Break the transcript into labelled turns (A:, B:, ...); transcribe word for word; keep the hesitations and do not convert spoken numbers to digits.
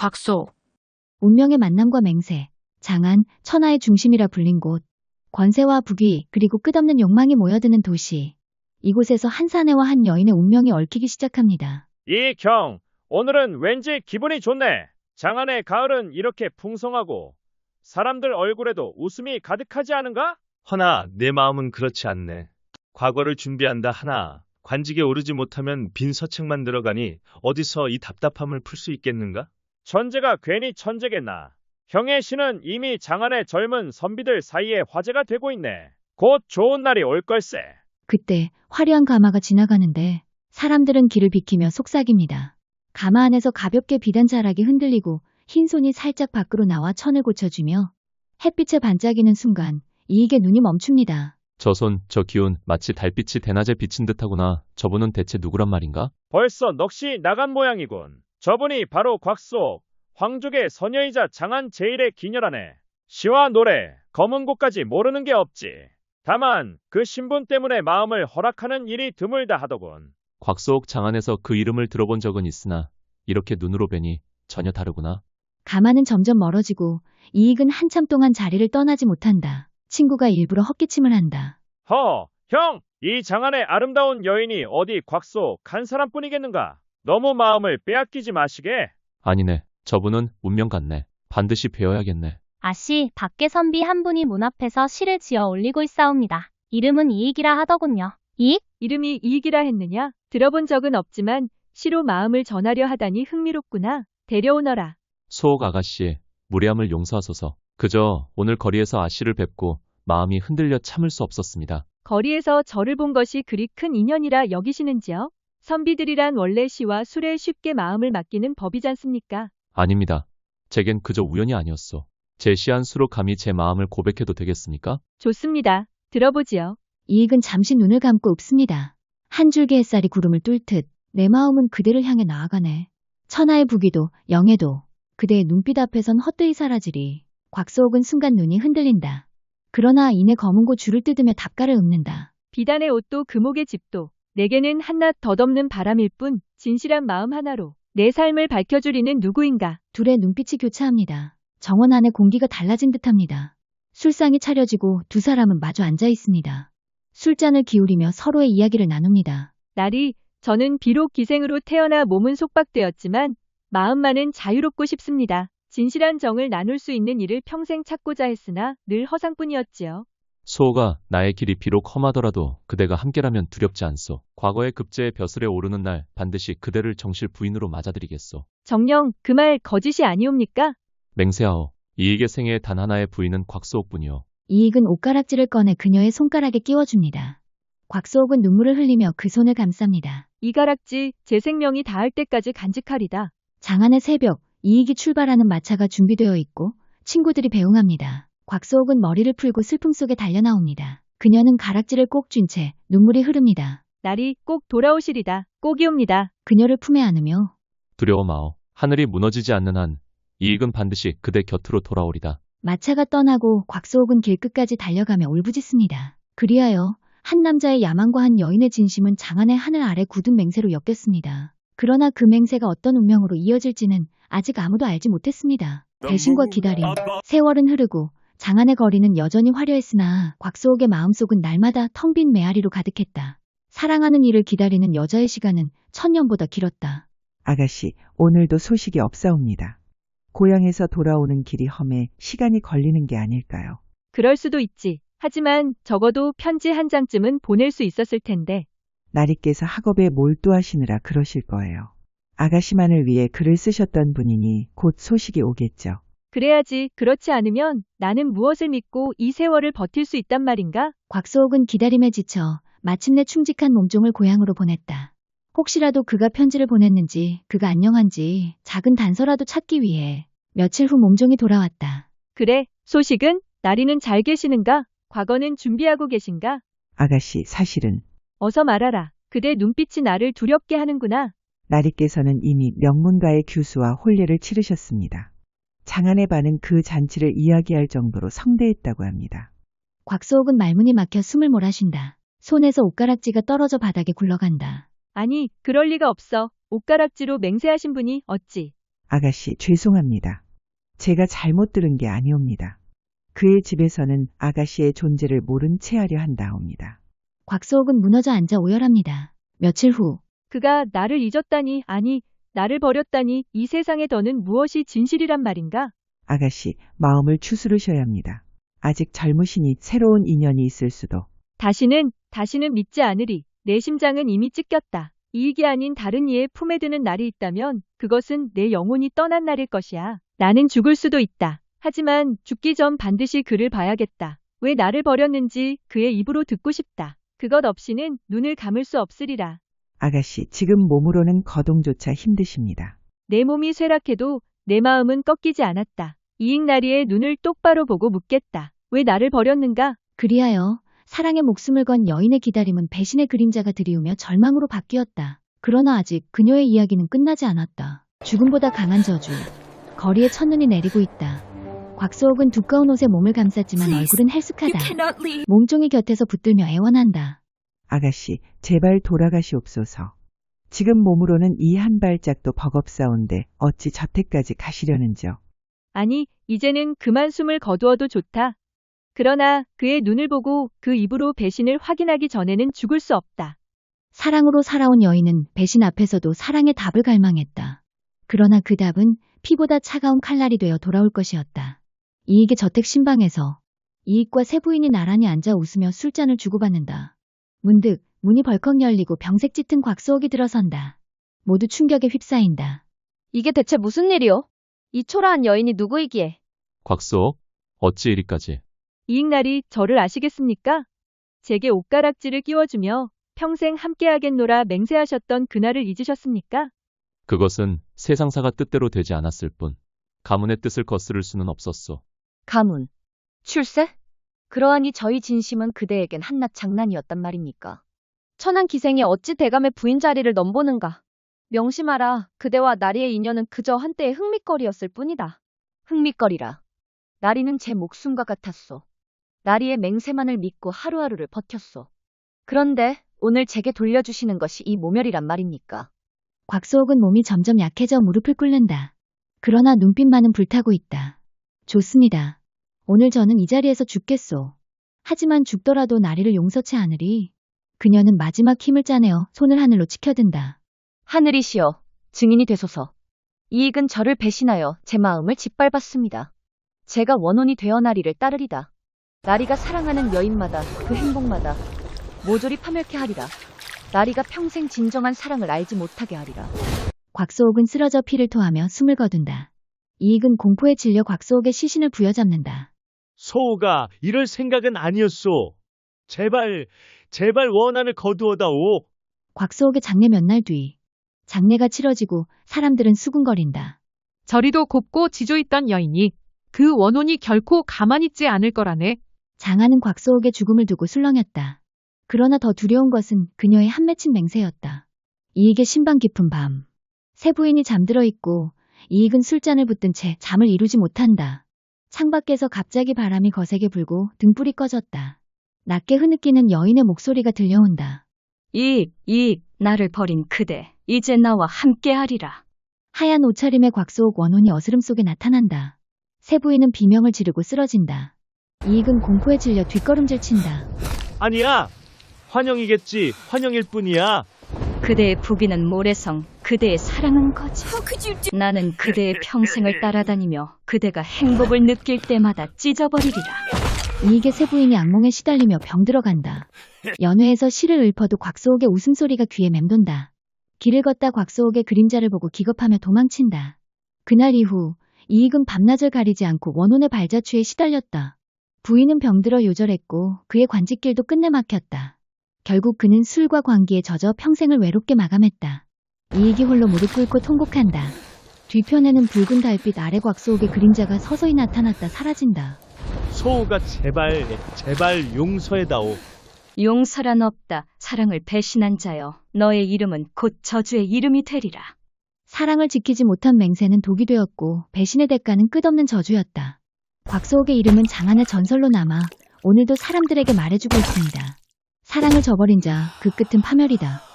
A: 곽소.
B: 운명의 만남과 맹세, 장안, 천하의 중심이라 불린 곳, 권세와 부귀, 그리고 끝없는 욕망이 모여드는 도시. 이곳에서 한 사내와 한 여인의 운명이 얽히기 시작합니다.
C: 이경, 오늘은 왠지 기분이 좋네. 장안의 가을은 이렇게 풍성하고 사람들 얼굴에도 웃음이 가득하지 않은가?
D: 허나 내 마음은 그렇지 않네. 과거를 준비한다 하나 관직에 오르지 못하면 빈 서책만 들어가니 어디서 이 답답함을 풀 수 있겠는가?
C: 천재가 괜히 천재겠나. 형의 시는 이미 장안의 젊은 선비들 사이에 화제가 되고 있네. 곧 좋은 날이 올 걸세.
B: 그때 화려한 가마가 지나가는데 사람들은 길을 비키며 속삭입니다. 가마 안에서 가볍게 비단 자락이 흔들리고 흰 손이 살짝 밖으로 나와 천을 고쳐주며 햇빛에 반짝이는 순간 이익의 눈이 멈춥니다.
E: 저 손, 저 기운, 마치 달빛이 대낮에 비친 듯하구나. 저분은 대체 누구란 말인가?
C: 벌써 넋이 나간 모양이군. 저분이 바로 곽소, 황족의 서녀이자 장안 제일의 기녀라네. 시와 노래, 검은 곳까지 모르는 게 없지. 다만 그 신분 때문에 마음을 허락하는 일이 드물다 하더군.
E: 곽소옥 장안에서 그 이름을 들어본 적은 있으나 이렇게 눈으로 뵈니 전혀 다르구나.
B: 가마는 점점 멀어지고 이익은 한참 동안 자리를 떠나지 못한다. 친구가 일부러 헛기침을 한다.
C: 허, 형! 이 장안의 아름다운 여인이 어디 곽소 간 사람뿐이겠는가? 너무 마음을 빼앗기지 마시게.
E: 아니네. 저분은 운명 같네. 반드시 뵈어야겠네.
F: 아씨, 밖에 선비 한 분이 문 앞에서 시를 지어 올리고 있사옵니다. 이름은 이익이라 하더군요. 이익?
G: 이름이 이익이라 했느냐? 들어본 적은 없지만 시로 마음을 전하려 하다니 흥미롭구나. 데려오너라.
E: 소옥 아가씨, 무례함을 용서하소서. 그저 오늘 거리에서 아씨를 뵙고 마음이 흔들려 참을 수 없었습니다.
G: 거리에서 저를 본 것이 그리 큰 인연이라 여기시는지요? 선비들이란 원래 시와 술에 쉽게 마음을 맡기는 법이잖습니까?
E: 아닙니다. 제겐 그저 우연이 아니었소. 제 시 한 수로 감히 제 마음을 고백해도 되겠습니까?
G: 좋습니다. 들어보지요.
B: 이익은 잠시 눈을 감고 읍습니다. 한 줄기 햇살이 구름을 뚫듯 내 마음은 그대를 향해 나아가네. 천하의 부귀도 영예도 그대의 눈빛 앞에선 헛되이 사라지리. 곽소옥은 순간 눈이 흔들린다. 그러나 이내 검은 고 줄을 뜯으며 답가를 읊는다.
G: 비단의 옷도 금옥의 집도 내게는 한낱 덧없는 바람일 뿐 진실한 마음 하나로 내 삶을 밝혀주리는 누구인가.
B: 둘의 눈빛이 교차합니다. 정원 안의 공기가 달라진 듯합니다. 술상이 차려지고 두 사람은 마주 앉아 있습니다. 술잔을 기울이며 서로의 이야기를 나눕니다.
G: 나리, 저는 비록 기생으로 태어나 몸은 속박되었지만 마음만은 자유롭고 싶습니다. 진실한 정을 나눌 수 있는 일을 평생 찾고자 했으나 늘 허상뿐이었지요.
E: 소옥아, 나의 길이 비록 험하더라도 그대가 함께라면 두렵지 않소. 과거의 급제의 벼슬에 오르는 날 반드시 그대를 정실 부인으로 맞아들이겠소.
G: 정녕, 그 말 거짓이 아니옵니까?
E: 맹세하오. 이익의 생애의 단 하나의 부인은 곽소옥뿐이오.
B: 이익은 옷가락질을 꺼내 그녀의 손가락에 끼워줍니다. 곽소옥은 눈물을 흘리며 그 손을 감쌉니다.
G: 이 가락지 제 생명이 닿을 때까지 간직하리다.
B: 장안의 새벽, 이익이 출발하는 마차가 준비되어 있고 친구들이 배웅합니다. 곽소옥은 머리를 풀고 슬픔 속에 달려나옵니다. 그녀는 가락지를 꼭 쥔 채 눈물이 흐릅니다.
G: 날이 꼭 돌아오시리다. 꼭이옵니다.
B: 그녀를 품에 안으며
E: 두려워 마오. 하늘이 무너지지 않는 한 이익은 반드시 그대 곁으로 돌아오리다.
B: 마차가 떠나고 곽소옥은 길끝까지 달려가며 울부짖습니다. 그리하여 한 남자의 야망과 한 여인의 진심은 장안의 하늘 아래 굳은 맹세로 엮였습니다. 그러나 그 맹세가 어떤 운명으로 이어질지는 아직 아무도 알지 못했습니다. 배신과 기다림, 세월은 흐르고 장안의 거리는 여전히 화려했으나 곽소옥의 마음속은 날마다 텅 빈 메아리로 가득했다. 사랑하는 이를 기다리는 여자의 시간은 천년보다 길었다.
H: 아가씨, 오늘도 소식이 없사옵니다. 고향에서 돌아오는 길이 험해 시간이 걸리는 게 아닐까요?
G: 그럴 수도 있지. 하지만 적어도 편지 한 장쯤은 보낼 수 있었을 텐데.
H: 나리께서 학업에 몰두하시느라 그러실 거예요. 아가씨만을 위해 글을 쓰셨던 분이니 곧 소식이 오겠죠.
G: 그래야지. 그렇지 않으면 나는 무엇을 믿고 이 세월을 버틸 수 있단 말인가?
B: 곽소옥은 기다림에 지쳐 마침내 충직한 몸종을 고향으로 보냈다. 혹시라도 그가 편지를 보냈는지, 그가 안녕한지 작은 단서라도 찾기 위해 며칠 후 몸종이 돌아왔다.
G: 그래, 소식은? 나리는 잘 계시는가? 과거는 준비하고 계신가?
H: 아가씨, 사실은
G: 어서 말하라. 그대 눈빛이 나를 두렵게 하는구나.
H: 나리께서는 이미 명문가의 규수와 혼례를 치르셨습니다. 장안의 반은 그 잔치를 이야기할 정도로 성대했다고 합니다.
B: 곽소옥은 말문이 막혀 숨을 몰아쉰다. 손에서 옷가락지가 떨어져 바닥에 굴러간다.
G: 아니, 그럴 리가 없어. 옷가락지로 맹세하신 분이 어찌.
H: 아가씨, 죄송합니다. 제가 잘못 들은 게 아니옵니다. 그의 집에서는 아가씨의 존재를 모른 채 하려 한다옵니다.
B: 곽소옥은 무너져 앉아 오열합니다. 며칠 후
G: 그가 나를 잊었다니, 아니, 나를 버렸다니, 이 세상에 더는 무엇이 진실이란 말인가?
H: 아가씨, 마음을 추스르셔야 합니다. 아직 젊으시니 새로운 인연이 있을 수도.
G: 다시는, 다시는 믿지 않으리. 내 심장은 이미 찢겼다. 이익이 아닌 다른 이의 품에 드는 날이 있다면 그것은 내 영혼이 떠난 날일 것이야. 나는 죽을 수도 있다. 하지만 죽기 전 반드시 그를 봐야겠다. 왜 나를 버렸는지 그의 입으로 듣고 싶다. 그것 없이는 눈을 감을 수 없으리라.
H: 아가씨, 지금 몸으로는 거동조차 힘드십니다.
G: 내 몸이 쇠락해도 내 마음은 꺾이지 않았다. 이익나리의 눈을 똑바로 보고 묻겠다. 왜 나를 버렸는가?
B: 그리하여 사랑의 목숨을 건 여인의 기다림은 배신의 그림자가 드리우며 절망으로 바뀌었다. 그러나 아직 그녀의 이야기는 끝나지 않았다. 죽음보다 강한 저주. 거리에 첫눈이 내리고 있다. 곽소옥은 두꺼운 옷에 몸을 감쌌지만 얼굴은 헬쓱하다. 몸종이 곁에서 붙들며 애원한다.
H: 아가씨, 제발 돌아가시옵소서. 지금 몸으로는 이 한 발짝도 버겁사온데 어찌 저태까지 가시려는지요.
G: 아니, 이제는 그만 숨을 거두어도 좋다. 그러나 그의 눈을 보고 그 입으로 배신을 확인하기 전에는 죽을 수 없다.
B: 사랑으로 살아온 여인은 배신 앞에서도 사랑의 답을 갈망했다. 그러나 그 답은 피보다 차가운 칼날이 되어 돌아올 것이었다. 이익의 저택 신방에서 이익과 세 부인이 나란히 앉아 웃으며 술잔을 주고받는다. 문득 문이 벌컥 열리고 병색 짙은 곽소옥이 들어선다. 모두 충격에 휩싸인다.
A: 이게 대체 무슨 일이오? 이 초라한 여인이 누구이기에?
E: 곽소옥, 어찌 이리까지?
G: 이익날이 저를 아시겠습니까? 제게 옷가락지를 끼워주며 평생 함께하겠노라 맹세하셨던 그날을 잊으셨습니까?
E: 그것은 세상사가 뜻대로 되지 않았을 뿐 가문의 뜻을 거스를 수는 없었소.
A: 가문, 출세? 그러하니 저희 진심은 그대에겐 한낱 장난이었단 말입니까? 천한 기생이 어찌 대감의 부인 자리를 넘보는가? 명심하라, 그대와 나리의 인연은 그저 한때의 흥밋거리였을 뿐이다. 흥밋거리라. 나리는 제 목숨과 같았소. 나리의 맹세만을 믿고 하루하루를 버텼소. 그런데 오늘 제게 돌려주시는 것이 이 모멸이란 말입니까?
B: 곽소옥은 몸이 점점 약해져 무릎을 꿇는다. 그러나 눈빛만은 불타고 있다. 좋습니다. 오늘 저는 이 자리에서 죽겠소. 하지만 죽더라도 나리를 용서치 않으리. 그녀는 마지막 힘을 짜내어 손을 하늘로 치켜든다.
A: 하늘이시여, 증인이 되소서. 이익은 저를 배신하여 제 마음을 짓밟았습니다. 제가 원혼이 되어 나리를 따르리다. 나리가 사랑하는 여인마다 그 행복마다 모조리 파멸케 하리라. 나리가 평생 진정한 사랑을 알지 못하게 하리라.
B: 곽소옥은 쓰러져 피를 토하며 숨을 거둔다. 이익은 공포에 질려 곽소옥의 시신을 부여잡는다.
D: 소우가 이럴 생각은 아니었소. 제발, 제발 원한을 거두어다오.
B: 곽소옥의 장례 몇 날 뒤. 장례가 치러지고 사람들은 수군거린다.
I: 저리도 곱고 지조있던 여인이 그 원혼이 결코 가만히 있지 않을 거라네.
B: 장하는 곽소옥의 죽음을 두고 술렁였다. 그러나 더 두려운 것은 그녀의 한 맺힌 맹세였다. 이익의 신방 깊은 밤. 세 부인이 잠들어 있고 이익은 술잔을 붙든 채 잠을 이루지 못한다. 창밖에서 갑자기 바람이 거세게 불고 등불이 꺼졌다. 낮게 흐느끼는 여인의 목소리가 들려온다.
J: 이익, 이익, 나를 버린 그대, 이제 나와 함께하리라.
B: 하얀 옷차림의 곽소옥 원혼이 어스름 속에 나타난다. 세 부인은 비명을 지르고 쓰러진다. 이익은 공포에 질려 뒷걸음질 친다.
D: 아니야. 환영이겠지. 환영일 뿐이야.
J: 그대의 부비는 모래성, 그대의 사랑은 거짓. 나는 그대의 평생을 따라다니며 그대가 행복을 느낄 때마다 찢어버리리라.
B: 이익의 세 부인이 악몽에 시달리며 병들어간다. 연회에서 시를 읊어도 곽소옥의 웃음소리가 귀에 맴돈다. 길을 걷다 곽소옥의 그림자를 보고 기겁하며 도망친다. 그날 이후 이익은 밤낮을 가리지 않고 원혼의 발자취에 시달렸다. 부인은 병들어 요절했고 그의 관직길도 끝내 막혔다. 결국 그는 술과 광기에 젖어 평생을 외롭게 마감했다. 이익이 홀로 무릎 꿇고 통곡한다. 뒤편에는 붉은 달빛 아래 곽소옥의 그림자가 서서히 나타났다 사라진다.
D: 소우가 제발, 제발 용서해다오.
J: 용서란 없다. 사랑을 배신한 자여. 너의 이름은 곧 저주의 이름이 되리라.
B: 사랑을 지키지 못한 맹세는 독이 되었고 배신의 대가는 끝없는 저주였다. 곽소옥의 이름은 장안의 전설로 남아 오늘도 사람들에게 말해주고 있습니다. 사랑을 저버린 자, 그 끝은 파멸이다.